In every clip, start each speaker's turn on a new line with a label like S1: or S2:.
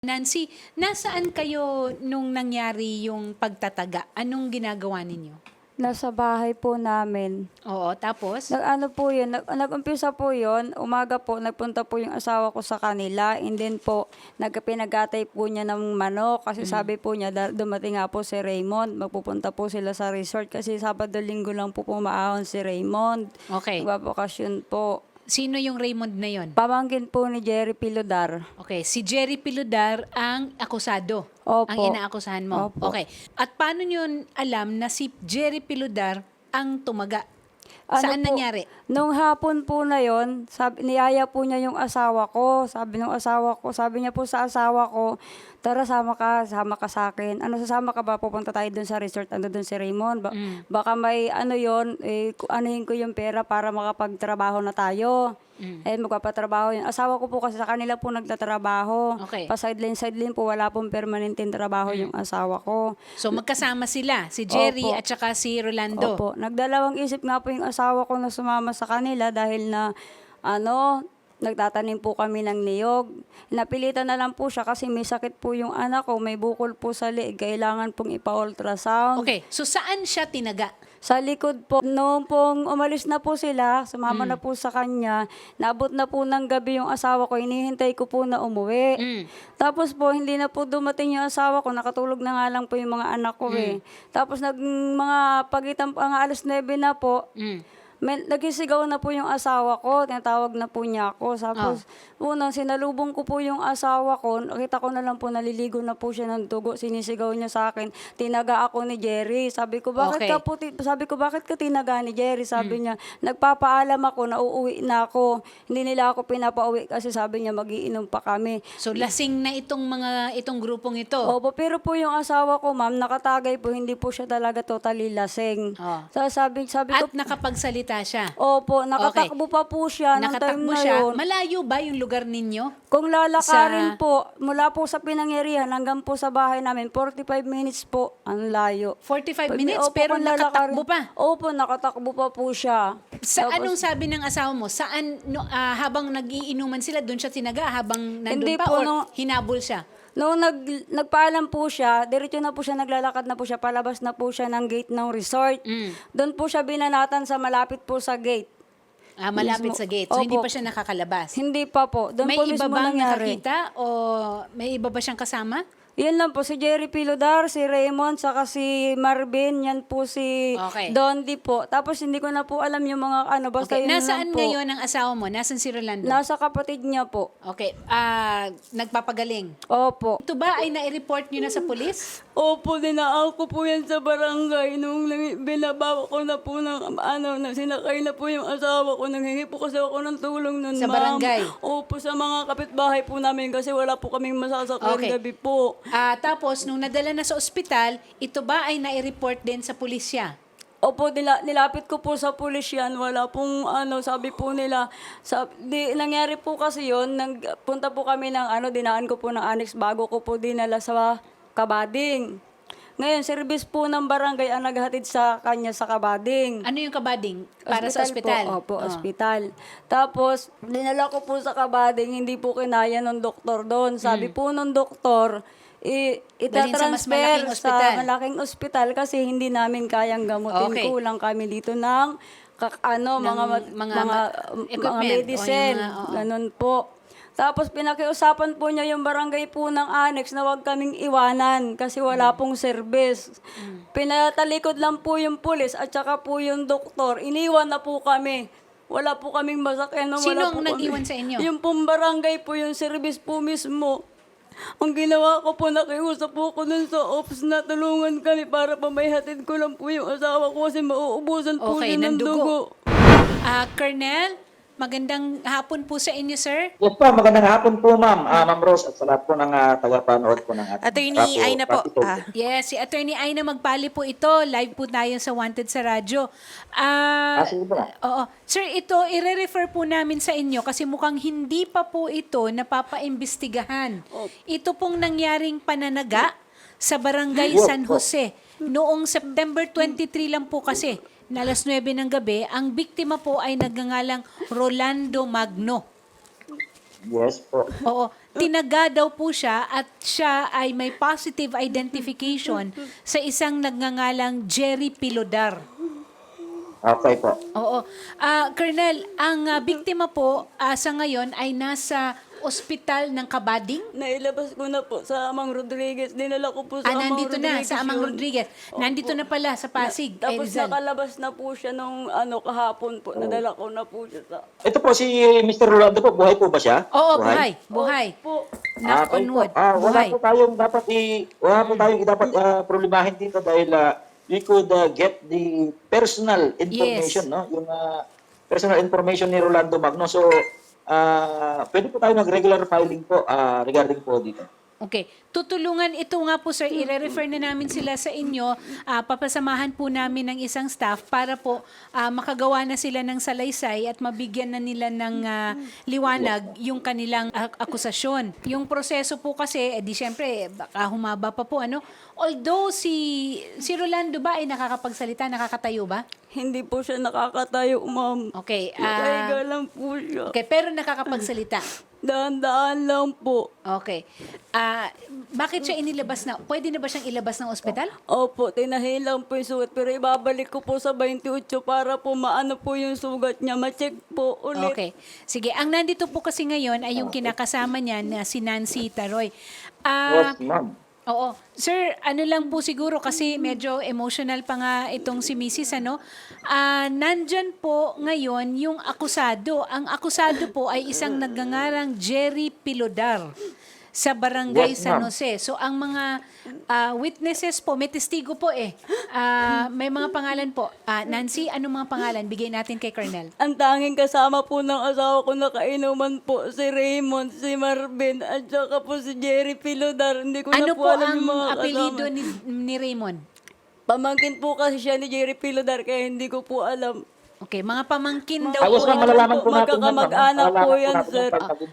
S1: Nancy, nasaan kayo nung nangyari yung pagtataga? Anong ginagawa ninyo?
S2: Nasa bahay po namin.
S1: Oo, tapos?
S2: Nag-ano po yun, nag-umpisa po yun, umaga po, nagpunta po yung asawa ko sa kanila, and then po, pinag-atay po niya ng manok, kasi sabi po niya, dumating nga po si Raymond, magpupunta po sila sa resort, kasi Sabado-Linggo lang po pumaahon si Raymond.
S1: Okay.
S2: Nagbabakasyon po.
S1: Sino yung Raymond na yon?
S2: Pamangkin po ni Jerry Piludar.
S1: Okay, si Jerry Piludar ang akusado.
S2: Opo.
S1: Ang inaakusahan mo.
S2: Opo.
S1: Okay. At paano nyo alam na si Jerry Piludar ang tumaga? Saan
S2: po,
S1: nangyari?
S2: Nung hapon po na yon, niyaya po niya yung asawa ko. Sabi niya po sa asawa ko, tara sama ka sa akin. Ano, sasama ka ba? Pupunta tayo dun sa resort, ando dun si Raymond. Baka may ano yon, anuhin ko yung pera para makapagtrabaho na tayo. Magpapatrabaho yun. Asawa ko po kasi sa kanila po nagtatrabaho.
S1: Okay.
S2: Pa-sideline po, wala pong permanenteng trabaho yung asawa ko.
S1: So magkasama sila, si Jerry
S2: Opo.
S1: at saka si Rolando.
S2: Opo. Nagdalawang isip nga po yung asawa ko na sumama sa kanila dahil na nagtatanim po kami ng niyog. Napilitan na lang po siya kasi may sakit po yung anak ko, may bukol po sa liig, kailangan pong ipa-ultrasound.
S1: Okay, so saan siya tinaga?
S2: Sa likod po, noong pong umalis na po sila, sumama na po sa kanya, naabot na po ng gabi yung asawa ko, hinihintay ko po na umuwi. Tapos po, hindi na po dumating yung asawa ko, nakatulog na nga lang po yung mga anak ko Tapos mga pagitan po, ang 9:00 na po, nagisigaw na po yung asawa ko, tinatawag na po niya ako. Tapos, unang sinalubong ko po yung asawa ko, nakita ko na lang po naliligo na po siya ng dugo, sinisigaw niya sa akin, tinaga ako ni Jerry. Sabi ko, bakit ka tinaga ni Jerry? Sabi niya, nagpapaalam ako na uuwi na ako. Hindi nila ako pinapauwi kasi sabi niya magiinom pa kami.
S1: So lasing na itong grupong ito.
S2: Opo, pero po yung asawa ko, ma'am, nakatagay po, hindi po siya talaga totally lasing. So, sabi ko,
S1: At nakapagsalita siya.
S2: opo, nakatakbo pa po siya ng time
S1: Nakatakbo
S2: na
S1: siya.
S2: yun.
S1: Malayo ba yung lugar ninyo?
S2: Kung lalakarin po, mula po sa pinangyarihan hanggang po sa bahay namin, 45 minutes po ang layo.
S1: 45 minutes,
S2: Opo,
S1: pero
S2: kung
S1: nakatakbo pa.
S2: Opo, nakatakbo pa po siya.
S1: Anong sabi ng asawa mo? Saan, habang nag-iinuman sila, doon siya tinaga? Habang nandun
S2: Hindi
S1: pa?
S2: po,
S1: Or hinabol siya?
S2: Noong nagpaalam po siya, diretso na po siya, naglalakad na po siya, palabas na po siya ng gate ng resort. Doon po siya binanatan sa malapit po sa gate.
S1: Malapit
S2: Mismo.
S1: sa gate. So, hindi
S2: Opo.
S1: pa siya nakakalabas.
S2: Hindi pa po. Doon
S1: May
S2: po
S1: iba
S2: mismo
S1: bang
S2: nangyari.
S1: nakakita? O may iba ba siyang kasama?
S2: Yan lang po, si Jerry Piludar, si Raymond, saka si Marvin, yan po si
S1: Okay.
S2: Dondi po. Tapos hindi ko na po alam yung mga basta
S1: Okay.
S2: yun
S1: Nasaan
S2: lang po.
S1: ngayon ang asawa mo? Nasaan si Rolando?
S2: Nasa kapatid niya po.
S1: Okay. Nagpapagaling.
S2: Opo.
S1: Ito ba ay na-report nyo na sa pulis?
S2: Opo, dinaan ko po yan sa barangay. Nung binabawa ko na po sinakay na po yung asawa ko. Nanghingi po kasi ako ng tulong nun,
S1: Sa barangay?
S2: Opo, sa mga kapitbahay po namin kasi wala po kaming masasakyan
S1: Okay.
S2: gabi po.
S1: Tapos, nung nadala na sa ospital, ito ba ay na-report din sa pulisya?
S2: Opo, nilapit ko po sa pulis yan. Wala pong sabi po nila. Nangyari po kasi yun, nagpunta po kami ng dinaan ko po ng annex bago ko po dinala sa Kabading. Ngayon, service po ng barangay ang naghatid sa kanya sa Kabading.
S1: Ano yung kabading? Para sa ospital?
S2: Po. Opo, ospital. Tapos, dinala ko po sa Kabading, hindi po kinaya ng doktor doon. Sabi po ng doktor,
S1: Dalhin sa mas malaking
S2: itatransfer
S1: ospital.
S2: sa malaking ospital kasi hindi namin kayang gamutin.
S1: Okay.
S2: Kulang kami dito ng mga
S1: equipment,
S2: medicine.
S1: o yung mga-
S2: Ganun po. Tapos pinakiusapan po niya yung barangay po ng annex na huwag kaming iwanan kasi wala pong service. Pinatalikod lang po yung pulis at saka po yung doktor. Iniwan na po kami. Wala po kaming masakyan.
S1: Sino ang nag-iwan sa inyo?
S2: Yung pong barangay po, yung service po mismo. Ang ginawa ko po, nakiusap po ko dun sa ops na tulungan kami para pamayhatid ko lang po yung asawa ko kasi mauubusan po
S1: Okay,
S2: siya ng
S1: ng
S2: dugo.
S1: Colonel, magandang hapon po sa inyo, sir.
S3: Yes po, magandang hapon po ma'am. Ma'am Rose at sa lahat po ng tagapanood po ng ating
S4: Attorney Aina po.
S1: Yes, si Attorney Aina Magpali po ito. Live po tayo sa Wanted sa Radyo.
S3: sige po.
S1: Oo. Sir, ito, ire-refer po namin sa inyo kasi mukhang hindi pa po ito napapaimbestigahan. Ito pong nangyaring pananaga sa Barangay San Jose. Noong September 23 lang po kasi, na 9:00 ng gabi, ang biktima po ay nagngangalang Rolando Magno.
S3: Yes po.
S1: Oo, tinaga daw po siya at siya ay may positive identification sa isang nagngangalang Jerry Pilodar.
S3: Okay po.
S1: Oo. Colonel, ang biktima po sa ngayon ay nasa ospital ng Kabading.
S2: Nailabas ko na po sa Amang Rodriguez. Dinala ko po sa Amang
S1: Nandito na
S2: Rodriguez.
S1: sa Amang
S2: yun.
S1: Rodriguez. Nandito na pala sa Pasig, kay
S2: Tapos
S1: Rizal.
S2: nakalabas na po siya nung kahapon po. Nadala ko na po siya sa...
S3: Ito po si Mr. Rolando po, buhay po ba siya?
S1: Oo, buhay.
S2: Po.
S1: Knock on wood.
S3: Wala
S1: Buhay.
S3: po tayong dapat problemahin dito dahil we could get the personal information, no? Yung personal information ni Rolando Magno. So, pwede po tayo mag-regular filing po regarding po dito.
S1: Okay. Tutulungan ito nga po, sir. I-refer na namin sila sa inyo. Papasamahan po namin ng isang staff para po makagawa na sila ng salaysay at mabigyan na nila ng liwanag yung kanilang akusasyon. Yung proseso po kasi, di syempre, baka humaba pa po, ano? Although si Rolando ba ay nakakapagsalita, nakakatayo ba?
S2: Hindi po siya nakakatayo, ma'am.
S1: Okay.
S2: Nakahiga lang po siya.
S1: Okay, pero nakakapagsalita.
S2: Daan-daan lang po.
S1: Okay. Bakit siya inilabas na? Pwede na ba siyang ilabas ng ospital?
S2: Opo, tinahin lang po yung sugat. Pero ibabalik ko po sa 28 para po maano po yung sugat niya. Ma-check po ulit.
S1: Okay. Sige, ang nandito po kasi ngayon ay yung kinakasama niya na si Nancy Taroy.
S3: Yes, ma'am.
S1: Oo. Sir, ano lang po siguro kasi medyo emotional pa nga itong si Mrs. ano. Nandyan po ngayon yung akusado. Ang akusado po ay isang nagngangarang Jerry Pilodar sa Barangay
S3: Yes,
S1: San
S3: ma'am.
S1: Jose. So ang mga witnesses po, may testigo po may mga pangalan po. Nancy, ano mga pangalan? Bigay natin kay Colonel.
S2: Ang tanging kasama po ng asawa ko na kainuman po si Raymond, si Marvin, at saka po si Jerry Pilodar. Hindi ko
S1: Ano
S2: na po
S1: po
S2: alam
S1: ang
S2: yung mga
S1: apelido
S2: kasama.
S1: ni Raymond?
S2: Pamangkin po kasi siya ni Jerry Pilodar kaya hindi ko po alam.
S1: Okay, mga pamangkin daw
S3: Ayos
S1: po.
S3: ma'am, malalaman po natin.
S2: Magkakamag-anak po yan, sir.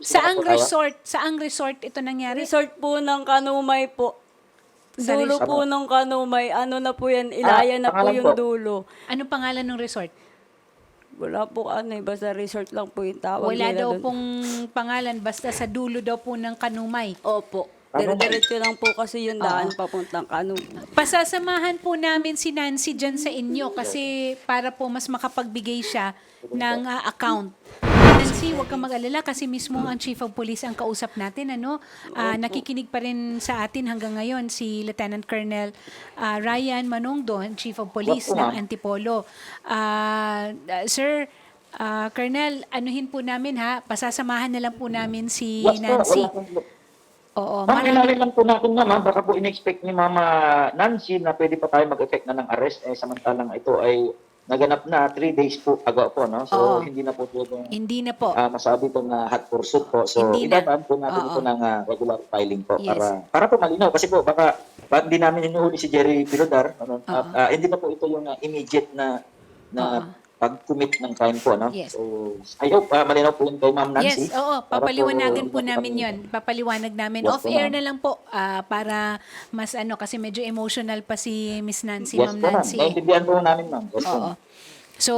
S1: Saang resort ito nangyari?
S2: Resort po ng Kanumay po.
S1: Sa
S2: Dulo
S1: resort.
S2: po ng Kanumay. Ano na po yan, Ilaya na po
S3: pangalan
S2: yung
S3: po.
S2: dulo.
S1: Anong pangalan ng resort?
S2: Wala po basta resort lang po yung tawag
S1: Wala
S2: nila
S1: daw
S2: dun.
S1: pong pangalan, basta sa dulo daw po ng Kanumay.
S2: Opo. Dire-diretso lang po kasi yung daan papuntang Kanumay.
S1: Pasasamahan po namin si Nancy dyan sa inyo kasi para po mas makapagbigay siya ng account. Nancy, huwag kang mag-alala kasi mismo ang Chief of Police ang kausap natin. Nakikinig pa rin sa atin hanggang ngayon si Lieutenant Colonel Ryan Manongdo, Chief of Police
S3: Opo,
S1: ng
S3: ma'am.
S1: Antipolo. Sir, Colonel, anuhin po namin pasasamahan na lang po namin si Nancy. Oo,
S3: Ma'am, inalin lang po natin ma'am, baka po in-expect ni Mama Nancy na pwede pa tayo mag-effect na ng arrest, samantalang ito ay naganap na 3 days po ago po, no? So,
S1: Oo.
S3: hindi na po pwedeng
S1: Hindi na po.
S3: masabi itong hot pursuit po. So,
S1: Hindi na.
S3: idadaan po natin
S1: Oo.
S3: ito ng regular filing po
S1: Yes.
S3: para po malinaw. Kasi po, baka hindi namin hinuhuli si Jerry Pilodar. Ano?
S1: Oo.
S3: Hindi na po ito yung immediate na
S1: Oo.
S3: pag-commit ng crime po. No?
S1: Yes.
S3: So, I hope malinaw po yun kay Ma'am Nancy.
S1: Yes, oo.
S3: Para
S1: Papaliwanagan po
S3: makapag-
S1: namin yon. Papaliwanag namin.
S3: Yes,
S1: Off-air
S3: ma'am.
S1: na lang po para mas kasi medyo emotional pa si Miss Nancy,
S3: Yes
S1: Ma'am
S3: po, ma'am.
S1: Nancy.
S3: Naintindihan po namin, ma'am. Yes, po,
S1: Oo.
S3: ma'am.
S1: So,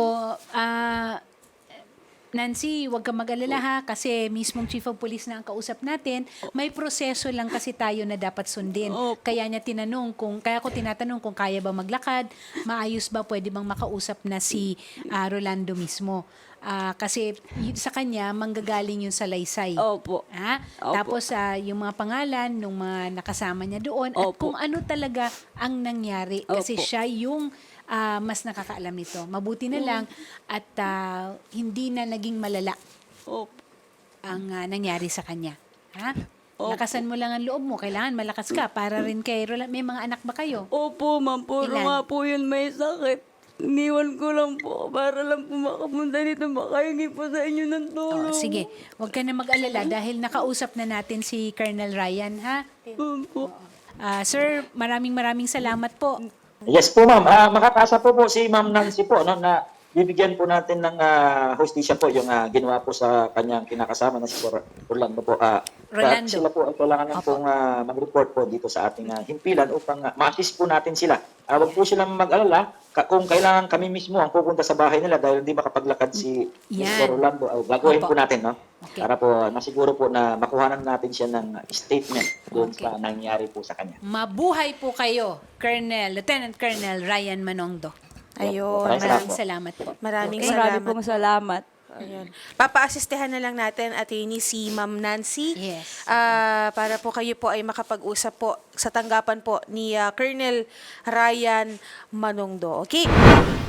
S1: Nancy, huwag kang mag-alala kasi mismong Chief of Police na ang kausap natin. May proseso lang kasi tayo na dapat sundin.
S2: Opo.
S1: Kaya ko tinatanong kung kaya ba maglakad, maayos ba, pwede bang makausap na si Rolando mismo. Kasi sa kanya, manggagaling yung salaysay.
S2: Opo. Opo.
S1: Tapos yung mga pangalan ng mga nakasama niya doon at
S2: Opo.
S1: kung ano talaga ang nangyari. Kasi
S2: Opo.
S1: siya yung mas nakakaalam nito. Mabuti na lang at hindi na naging malala
S2: Opo.
S1: ang nangyari sa kanya.
S2: Opo.
S1: Lakasan mo lang ang loob mo. Kailangan malakas ka para rin kay Rolando. May mga anak ba kayo?
S2: Opo, ma'am. Puro
S1: Ilan?
S2: nga po yun may sakit. Iniwan ko lang po para lang po makapunta dito. Makahingi po sa inyo ng tulong.
S1: Sige, huwag ka na mag-alala dahil nakausap na natin si Colonel Ryan, ha?
S2: Opo.
S1: Sir, maraming salamat po.
S3: Yes po, ma'am. Makakasa po si Ma'am Nancy po no, na bibigyan po natin ng hostisya po yung ginawa po sa kanyang kinakasama na si Rolando po.
S1: Rolando.
S3: Sila po ay kailangan lang pong mag-report po dito sa ating himpilan upang ma-assist po natin sila. Huwag po silang mag-alala kung kailangan kami mismo ang pupunta sa bahay nila dahil hindi makapaglakad si
S1: Yan.
S3: Mr. Rolando. Gagawin
S1: Opo.
S3: po natin, no?
S1: Okay.
S3: Para po masiguro po na makuhanan natin siya ng statement doon
S1: Okay.
S3: sa nangyari po sa kanya.
S1: Mabuhay po kayo, Lieutenant Colonel Ryan Manongdo.
S4: Ayun.
S3: Maraming
S1: Maraming salamat po.
S4: Maraming
S2: Marami
S4: salamat.
S2: pong salamat.
S4: Ayun. Papa-assistehan na lang natin, attorney, si Ma'am Nancy.
S1: Yes.
S4: Para po kayo po ay makapag-usap po sa tanggapan po ni Colonel Ryan Manongdo. Okay?